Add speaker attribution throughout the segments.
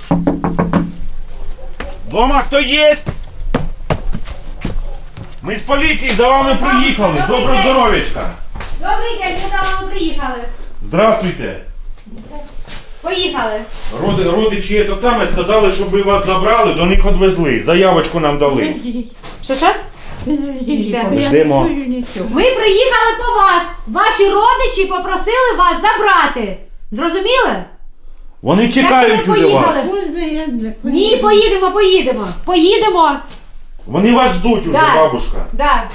Speaker 1: Дома хто є? Ми з поліції за вами приїхали. Доброго здоров'ячка.
Speaker 2: Добрий день, ми за вами приїхали.
Speaker 1: Здравствуйте.
Speaker 2: Поїхали.
Speaker 1: Родичі це саме сказали, щоб ви вас забрали, до них відвезли. Заявочку нам дали.
Speaker 2: Що?
Speaker 1: Ждемо.
Speaker 2: Ми приїхали по вас. Ваші родичі попросили вас забрати. Зрозуміли?
Speaker 1: Вони чекають
Speaker 2: Так,
Speaker 1: уже вас.
Speaker 2: Ні, поїдемо. Поїдемо.
Speaker 1: Вони вас ждуть уже,
Speaker 2: Да.
Speaker 1: бабушка.
Speaker 2: Да.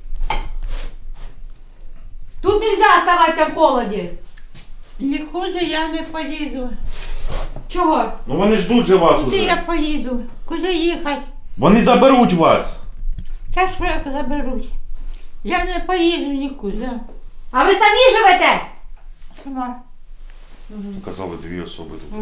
Speaker 2: Тут нельзя оставатися в холоді.
Speaker 3: Нікуди я не поїду.
Speaker 2: Чого?
Speaker 1: Ну вони ждуть же вас
Speaker 3: Куди я
Speaker 1: уже.
Speaker 3: поїду? Куди їхати?
Speaker 1: Вони заберуть вас.
Speaker 3: Та що як заберуть? Я не поїду нікуди.
Speaker 2: А ви самі живете?
Speaker 3: Сама.
Speaker 1: Казали дві особи тут.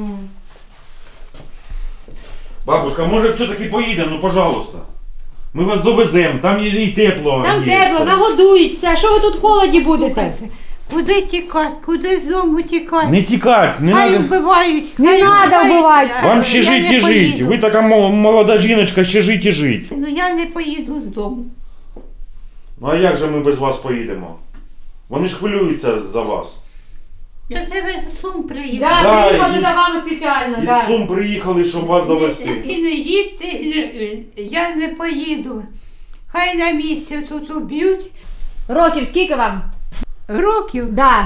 Speaker 1: Бабушка, може все-таки поїдемо, ну пожалуйста. Ми вас довеземо, там є і тепло.
Speaker 2: Там
Speaker 1: є.
Speaker 2: тепло, нагодують все. Що ви тут в холоді будете?
Speaker 3: Куди тікати? Куди з дому тікати?
Speaker 1: Не тікать, не
Speaker 3: Хай
Speaker 1: надо.
Speaker 3: вбивають.
Speaker 2: Не
Speaker 3: хай
Speaker 2: надо
Speaker 3: вбивають.
Speaker 2: вбивати.
Speaker 1: Вам ще
Speaker 3: Я
Speaker 1: жить
Speaker 3: не
Speaker 1: і жить.
Speaker 3: поїду.
Speaker 1: Ви така молода жіночка, ще жить і жить.
Speaker 3: Ну я не поїду з дому.
Speaker 1: Ну а як же ми без вас поїдемо? Вони ж хвилюються за вас.
Speaker 3: Я тебе з Сум приїду.
Speaker 2: Да,
Speaker 1: Да,
Speaker 2: приїхали
Speaker 1: із-
Speaker 2: за вами спеціально.
Speaker 1: Із
Speaker 2: Да.
Speaker 1: Сум приїхали, щоб вас довести.
Speaker 3: І не їдьте, я не поїду. Хай на місці тут уб'ють.
Speaker 2: Років скільки вам?
Speaker 3: Років
Speaker 2: Да.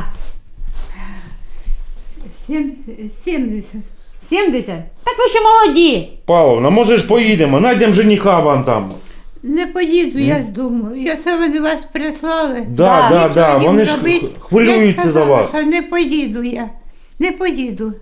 Speaker 3: 70.
Speaker 2: 70? Так ви ще молоді.
Speaker 1: Павловна, може ж поїдемо, знайдемо жениха вам там.
Speaker 3: Не поїду я з дому. Я це вони вас прислали.
Speaker 1: Да,
Speaker 2: Да,
Speaker 1: да, да,
Speaker 3: Нічого їм
Speaker 1: вони ж
Speaker 3: зробити.
Speaker 1: хвилюються
Speaker 3: Я
Speaker 1: за
Speaker 3: сказала,
Speaker 1: вас.
Speaker 3: що не поїду я. Не поїду.